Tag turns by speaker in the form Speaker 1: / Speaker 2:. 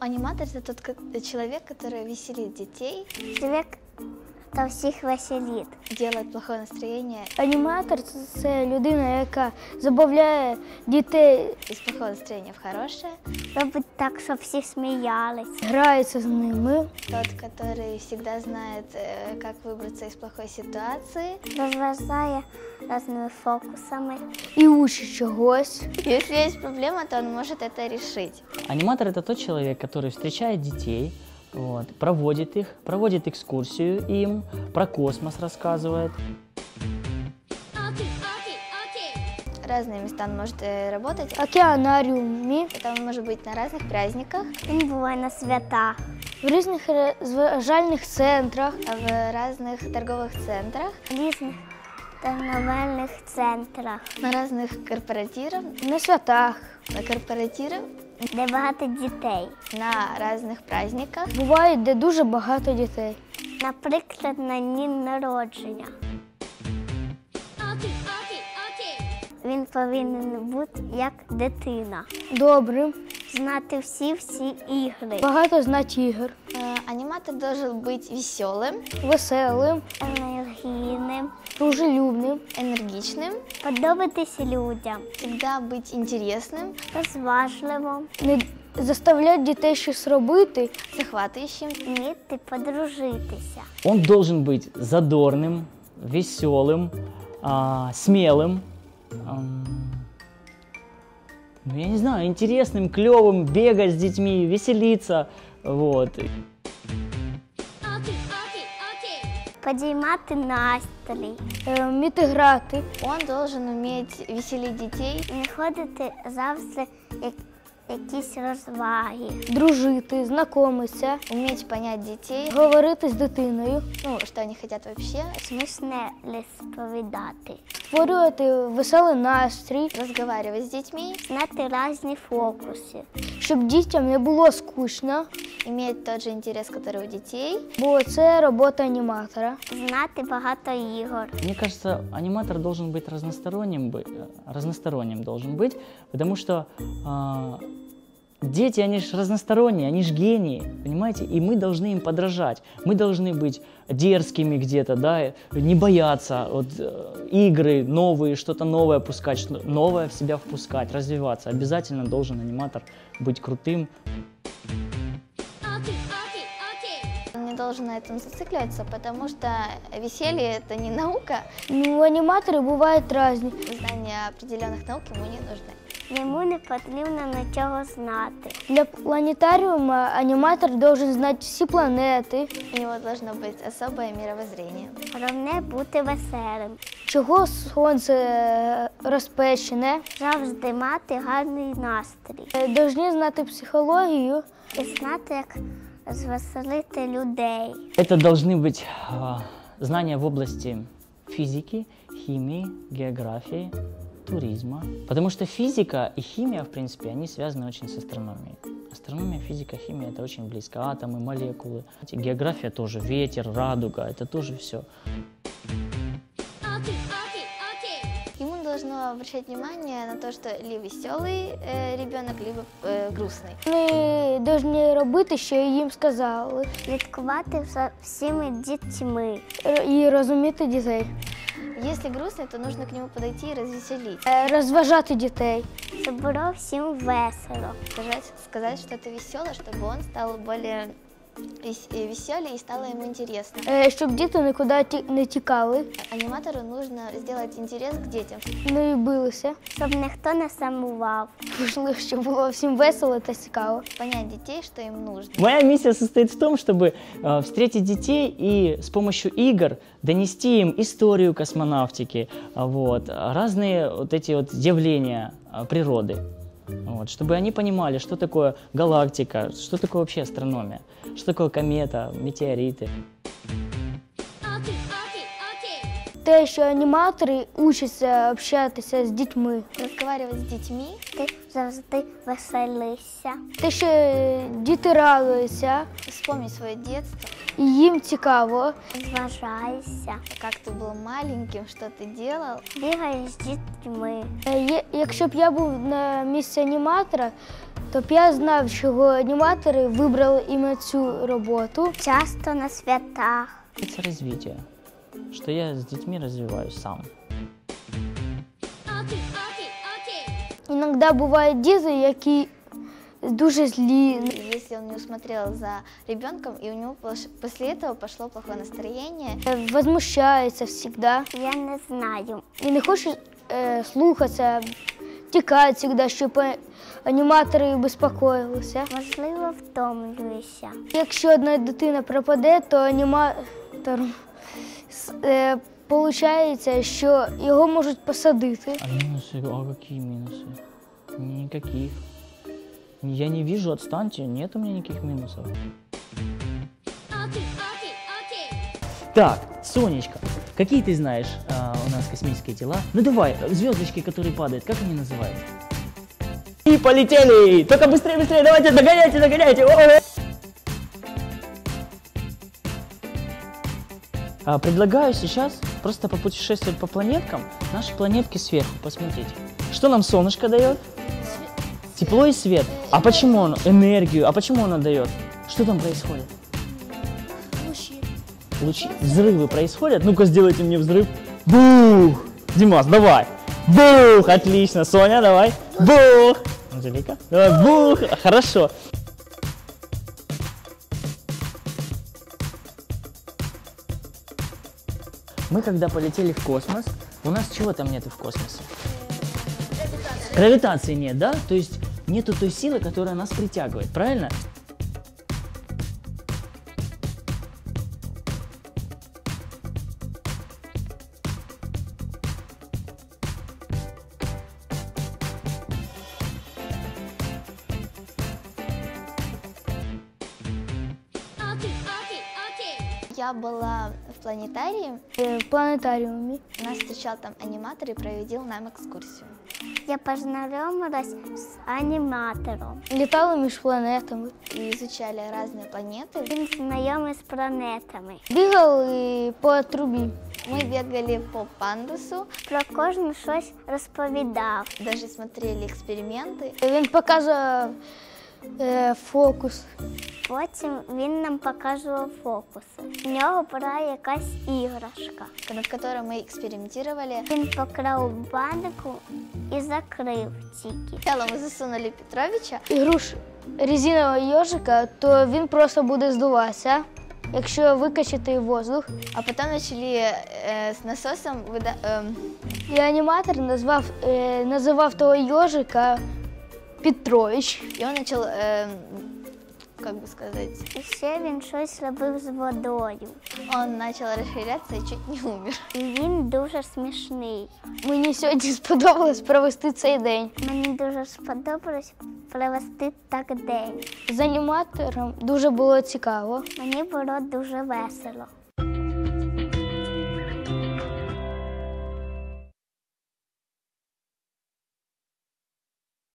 Speaker 1: Аниматор – это тот человек, который веселит детей.
Speaker 2: Человек, хто всіх веселить.
Speaker 1: Делает плохое настроение.
Speaker 3: Аніматор – це людина, яка забавляє дітей.
Speaker 1: Из плохого настроения в хорошее.
Speaker 2: Робить так, щоб всі сміялись.
Speaker 3: Грається з ними.
Speaker 1: Тот, который всегда знает, как выбраться из плохой ситуации.
Speaker 2: Розважає різними фокусами.
Speaker 3: І учить чогось.
Speaker 1: Если есть проблема, то он может это решить.
Speaker 4: Аниматор – это тот человек, который встречает детей, вот, проводит их, проводит экскурсию им, про космос рассказывает.
Speaker 1: Разные места он может работать.
Speaker 3: В океанаріумі,
Speaker 1: Это он может быть на разных праздниках,
Speaker 2: Він буває на свята.
Speaker 3: в різних розважальних центрах.
Speaker 1: в разных торговых центрах,
Speaker 2: В різних торговельних центрах,
Speaker 1: на разных корпоративах,
Speaker 3: На святах.
Speaker 1: на корпоративах,
Speaker 2: де багато дітей.
Speaker 1: на разных праздниках.
Speaker 3: Буває, де дуже багато дітей.
Speaker 2: Наприклад, на дні народження. Він повинен бути як дитина.
Speaker 3: Добрим,
Speaker 2: Знати всі ігри.
Speaker 3: багато знати ігор.
Speaker 1: Аниматор должен быть веселым,
Speaker 3: Веселим,
Speaker 2: Енергійним.
Speaker 3: дружелюбним.
Speaker 1: энергичным,
Speaker 2: Подобатися людям.
Speaker 1: всегда быть интересным,
Speaker 2: Розважливим.
Speaker 3: Не заставляти дітей щось робити.
Speaker 1: захватывающим.
Speaker 2: Вміти подружитися.
Speaker 4: Он должен быть задорным, веселым, смелым, ну, я не знаю, интересным, клевым, бегать с детьми, веселиться, вот.
Speaker 2: Підіймати настрій.
Speaker 3: Вміти грати.
Speaker 1: Он должен уметь веселить детей,
Speaker 2: Знаходити завжди якісь розваги.
Speaker 3: Дружити, знайомитися,
Speaker 1: уметь понять детей,
Speaker 3: говорити з дитиною,
Speaker 1: ну, что они хотят вообще,
Speaker 2: Смішне розповідати.
Speaker 3: створювати веселий настрій,
Speaker 1: разговаривать с детьми,
Speaker 2: Знати різні фокуси.
Speaker 3: щоб дітям не було скучно,
Speaker 1: иметь тот же интерес, который у детей.
Speaker 3: бо це робота аніматора.
Speaker 2: Знати багато ігор.
Speaker 4: Мне кажется, аниматор должен быть разносторонним должен быть, потому что дети, они же разносторонние, они же гении, понимаете, и мы должны им подражать. Мы должны быть дерзкими где-то, да, не бояться игры новые, что-то новое пускать, новое в себя впускать, развиваться. Обязательно должен аниматор быть крутым.
Speaker 1: Он не должен на этом зацикливаться, потому что веселье – это не наука.
Speaker 3: Ну, аніматори бувають різні.
Speaker 1: Знания определенных наук ему не нужны.
Speaker 2: Йому не потрібно нічого знати.
Speaker 3: Для планетаріуму аніматор должен знати всі планети,
Speaker 1: У него должно быть особое мировоззрение.
Speaker 2: Головне бути веселим.
Speaker 3: чого сонце розпечене.
Speaker 2: Завжди мати гарний настрій.
Speaker 3: Должні знати психологію.
Speaker 2: І знати, як розвеселити людей.
Speaker 4: Это должны быть знания в области физики, химии, географии, туризма. Потому что физика и химия, в принципе, они связаны очень с астрономией. Астрономия, физика, химия – это очень близко. Атомы, молекулы. География тоже, ветер, радуга – это тоже все.
Speaker 1: Ему должно обращать внимание на то, что либо веселый ребенок, либо грустный.
Speaker 3: Вони повинні робити, що їм сказали,
Speaker 2: Слідкувати за всіми дітьми.
Speaker 3: і розуміти дітей,
Speaker 1: Если грустный, то нужно к нему подойти и развеселить.
Speaker 3: розважати дітей.
Speaker 2: Щоб було всім весело.
Speaker 1: Сказать что-то веселое, чтобы он стал более веселее и стало ему интересно.
Speaker 3: Щоб діти нікуди не тікали,
Speaker 1: Аниматору нужно сделать интерес к детям.
Speaker 3: не билися.
Speaker 2: Щоб ніхто не сумував.
Speaker 3: Важливо, щоб було всім весело та цікаво.
Speaker 1: Понять детей, что им нужно.
Speaker 4: Моя миссия состоит в том, чтобы встретить детей и с помощью игр донести им историю космонавтики, разные вот эти вот явления природы. Чтобы они понимали, что такое галактика, что такое вообще астрономия, что такое комета, метеориты.
Speaker 3: Те, що аніматори учаться общатися з дітьми.
Speaker 1: Разговаривать с детьми,
Speaker 2: Ти завжди веселишся.
Speaker 3: Те, що діти радуються,
Speaker 1: вспомнить свое детство,
Speaker 3: і їм цікаво.
Speaker 2: Зважаєшся.
Speaker 1: как ты был маленьким, что ты делал.
Speaker 2: Бігаєш з дітьми.
Speaker 3: Якщо б я був на місці аніматора, Тобто я знав, чого аніматори вибрали іменно цю роботу.
Speaker 2: Часто на святах.
Speaker 4: Это развитие, что я с детьми развиваюсь сам.
Speaker 3: Іноді бувають діти, які дуже злі.
Speaker 1: Если он не усмотрел за ребенком, и у него после этого пошло плохое настроение.
Speaker 3: Возмущаються завжди.
Speaker 2: Я не знаю.
Speaker 3: І не хочуть слухатися, тікають завжди, щоб аніматори безпокоїлися.
Speaker 2: Можливо, втомлююся.
Speaker 3: Якщо одна дитина пропаде, то аніматор виходить, що його можуть посадити.
Speaker 4: А минусы? А какие минусы? Никаких. Я не вижу, отстаньте, нет у меня никаких минусов. Так, Сонечка, какие ты знаешь у нас космические тела? Ну давай, звездочки, которые падают, как они называются? И полетели! Только быстрее, быстрее, давайте, догоняйте, догоняйте! Предлагаю сейчас просто попутешествовать по планеткам, наши планетки сверху, посмотрите. Что нам солнышко дает? Тепло и свет. А почему оно? Энергию. А почему оно дает? Что там происходит? Лучи. Взрывы происходят? Ну-ка, сделайте мне взрыв. Бух! Димас, давай. Бух! Отлично. Соня, давай. Бух! Анжелика? Давай. Бух! Хорошо. Мы когда полетели в космос, у нас чего там нету в космосе? Гравитации нет, да? То есть нету той силы, которая нас притягивает, правильно?
Speaker 1: Я была в планетарии,
Speaker 3: В планетаріумі.
Speaker 1: нас встречал там аниматор и проводил нам экскурсию.
Speaker 2: Я познайомилась з аніматором.
Speaker 3: Літали між планетами.
Speaker 1: И изучали разные планеты.
Speaker 2: Він знайомий з планетами.
Speaker 3: Бігали по трубі.
Speaker 1: Мы бегали по пандусу,
Speaker 2: Про кожну щось розповідав.
Speaker 1: даже смотрели эксперименты.
Speaker 3: Він показував фокус.
Speaker 2: Потім він нам показував фокуси. В нього була якась іграшка.
Speaker 1: над которой мы экспериментировали.
Speaker 2: Він поклав банку і закрив тільки.
Speaker 1: Сначала мы засунули Петровича,
Speaker 3: Ігруш резинового йожика, то він просто буде здуватися, якщо викачати воздух.
Speaker 1: а потом начали с насосом
Speaker 3: І аніматор називав того йожика Петрович.
Speaker 1: и он начал, как бы сказать,
Speaker 2: І ще він щось робив з водою.
Speaker 1: он начал расширяться и чуть не умер.
Speaker 2: І він дуже смішний.
Speaker 3: Мені сьогодні сподобалось провести цей день.
Speaker 2: Мені дуже сподобалось провести так день.
Speaker 3: З аніматором дуже було цікаво.
Speaker 2: Мені було дуже весело.